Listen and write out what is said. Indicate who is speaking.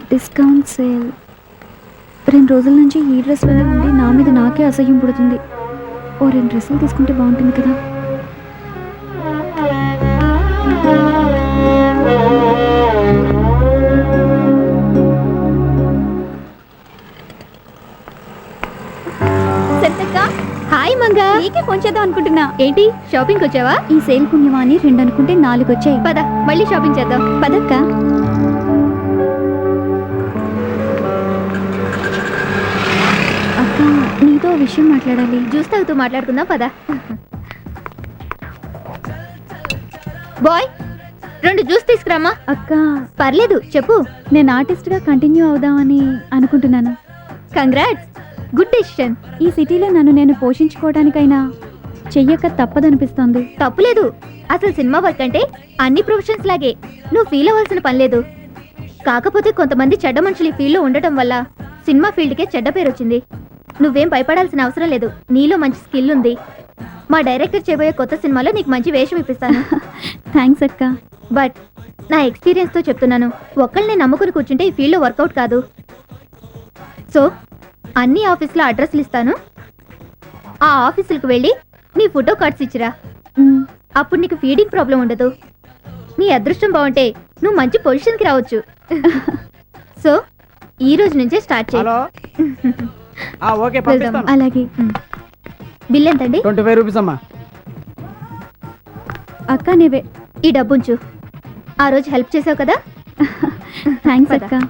Speaker 1: Discount sale. 2 రోజుల నుంచి ఈ డ్రెస్లోనే ఉండి నా మీద నాకే అసహ్యం పుడుతుంది. ఓ 2 డ్రెస్సులు తీసుకుంటే బాగుంటుంది కదా. హాయ్ మంగా, నీకే ఫోన్ చేద్దాం అనుకుంటున్నా. ఏంటి షాపింగ్ వచ్చావా? ఈ సేల్ పుణ్యమా అని 2 అనుకుంటే 4 వచ్చాయి. పద మళ్ళీ షాపింగ్ చేద్దాం. పదక్క. అక్క, నీతో విషయం మాట్లాడాలి. జ్యూస్ తాగుతూ మాట్లాడుకుందాం. పద. బాయ్ 2 జ్యూస్ తీసుకురామా. అక్క పర్లేదు చెప్పు. నేను ఆర్టిస్ట్గా కంటిన్యూ అవుదామని అనుకుంటున్నాను. Congrats, good decision. ఈ సిటీలో నన్ను నేను పోషించుకోవడానికైనా చెయ్యక తప్పదనిపిస్తోంది. తప్పులేదు, అసలు సినిమా వర్క్ అంటే అన్ని ప్రొఫెషన్స్ లాగే. నువ్వు ఫీల్ అవ్వాల్సిన పని లేదు. కాకపోతే కొంతమంది చెడ్డ మనుషులు ఈ ఫీల్డ్లో ఉండటం వల్ల సినిమా ఫీల్డ్కే చెడ్డ పేరు వచ్చింది. నువ్వేం భయపడాల్సిన అవసరం లేదు. నీలో మంచి స్కిల్ ఉంది. మా డైరెక్టర్ చేయబోయే కొత్త సినిమాలో నీకు మంచి వేషం ఇప్పిస్తాను. థ్యాంక్స్ అక్క. బట్ నా ఎక్స్పీరియన్స్తో చెప్తున్నాను, ఒక్కళ్ళని నమ్ముకుని కూర్చుంటే ఈ ఫీల్డ్లో వర్కౌట్ కాదు. సో అన్ని ఆఫీసులో అడ్రస్లు ఇస్తాను. ఆ ఆఫీసులకు వెళ్ళి నీ ఫోటో కార్డ్స్ ఇచ్చిరా. అప్పుడు నీకు ఫీడింగ్ ప్రాబ్లం ఉండదు. నీ అదృష్టం బాగుంటే నువ్వు మంచి పొజిషన్కి రావచ్చు. సో ఈ రోజు నుంచే స్టార్ట్ చేయి. అలాగే. బిల్ ఎంతండి?
Speaker 2: 25 రూపీస్ అమ్మా.
Speaker 1: అక్క నీవే ఈ డబ్బుంచు. ఆ రోజు హెల్ప్ చేసావు కదా. థ్యాంక్స్ అక్క.